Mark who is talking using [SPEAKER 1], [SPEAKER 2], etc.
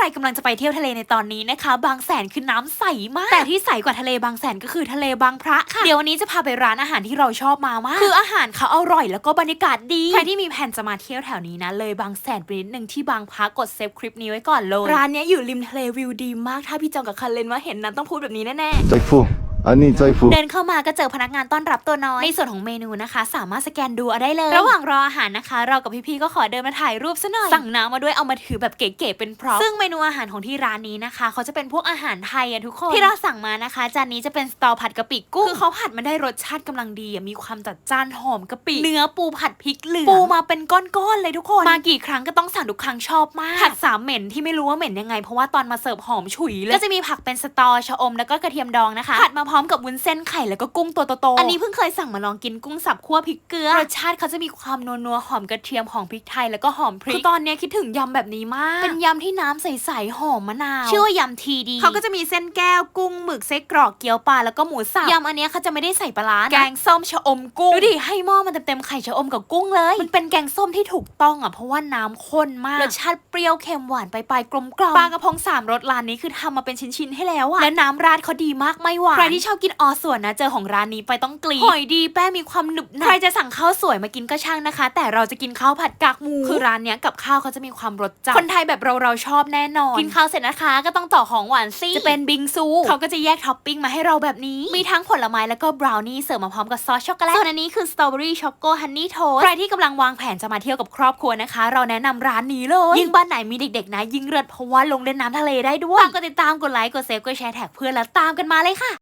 [SPEAKER 1] กำลังจะไปเที่ยวทะเลในตอนนี้นะคะบางแสนคือน้ำใสมากแต่ที่ใสกว่าทะเลบางแสนก็คือทะเลบางพระค่ะเดี๋ยววันนี้จะพาไปร้านอาหารที่เราชอบมากคืออาหารเขาอร่อยแล้วก็บรรยากาศดีใครที่มีแผนจะมาเที่ยวแถวนี้นะเลยบางแสนไปนิดนึงที่บางพระกดเซฟคลิปนี้ไว้ก่อนเลยร้านนี้อยู่ริมทะเลวิวดีมากถ้าพี่จองกับคันเลนว่าเห็นนั้นต้องพูดแบบนี้แน่ๆเดินเข้ามาก็เจอพนักงานต้อนรับตัวน้อยในส่วนของเมนูนะคะสามารถสแกนดูได้เลยระหว่างรออาหารนะคะเรากับพี่ๆก็ขอเดินมาถ่ายรูปซะหน่อยสั่งน้ำมาด้วยเอามาถือแบบเก๋ๆเป็นพร็อพซึ่งเมนูอาหารของที่ร้านนี้นะคะเขาจะเป็นพวกอาหารไทยทุกคนที่เราสั่งมานะคะจานนี้จะเป็นสตอผัดกะปิกุ้งคือเขาผัดมาได้รสชาติกำลังดีมีความจัดจ้านหอมกะปิเนื้อปูผัดพริกเหลืองปูมาเป็นก้อนๆเลยทุกคนมากี่ครั้งก็ต้องสั่งทุกครั้งชอบมากผัดสามเหม็นที่ไม่รู้ว่าเหม็นยังไงเพราะว่าตอนมาเสิร์ฟหอมฉุยเลยก็จะมีผักเป็นสตอชะอมแล้วก็กระเทียมดองนะคะผัดมาพร้อมกับวุ้นเส้นไข่แล้วก็กุ้งตัวโตๆอันนี้เพิ่งเคยสั่งมาลองกินกุ้งสับคั่วพริกเกลือรสชาติเขาจะมีความนัวๆหอมกระเทียมหอมพริกไทยแล้วก็หอมพริกคือตอนนี้คิดถึงยำแบบนี้มากเป็นยำที่น้ำใสๆหอมมะนาวชื่อว่ายำทีดีเขาก็จะมีเส้นแก้วกุ้งหมึกไส้กรอกเกี๊ยวปลาแล้วก็หมูสับยำอันนี้เขาจะไม่ได้ใส่ปลาร้าแกงส้มชะอมกุ้งดูดิให้หม้อมันเต็มๆไข่ชะอมกับกุ้งเลยมันเป็นแกงส้มที่ถูกต้องเพราะว่าน้ำข้นมากรสชาติเปรี้ยวเค็มหวานปลายๆกลมกล่อมปลากระพง3 รสร้านนี้คือทำมาเป็นชิ้นๆให้แล้วและน้ำราดเขาดีมากไม่หวานใครที่ชอบกินอส่วนนะเจอของร้านนี้ไปต้องกรี๊ดหอยดีแป้งมีความหนึบหนับใครจะสั่งข้าวสวยมากินก็ช่างนะคะแต่เราจะกินข้าวผัดกากหมูคือร้านเนี้ยกับข้าวเขาจะมีความรสจัดคนไทยแบบเราชอบแน่นอนกินข้าวเสร็จนะคะก็ต้องต่อของหวานซิจะเป็นบิงซูเขาก็จะแยกท็อปปิ้งมาให้เราแบบนี้มีทั้งผลไม้แล้วก็บราวนี่เสิร์ฟมาพร้อมกับซอสช็อกโกแลตส่วนอันนี้คือสตรอเบอรี่ช็อกโกฮันนี่โทสใครที่กำลังวางแผนจะมาเที่ยวกับครอบครัวนะคะเราแนะนำร้านนี้เลยยิ่งบ้านไหนมีเด็กๆนะยิ่งเลิศเพราะว่าลงเล่นน้ำทะเลได้ด้วยฝากกดติดตามกดไลค์กดเซฟกดแชร์แท็กเพื่อนแล้วตามกันมาเลยค่ะ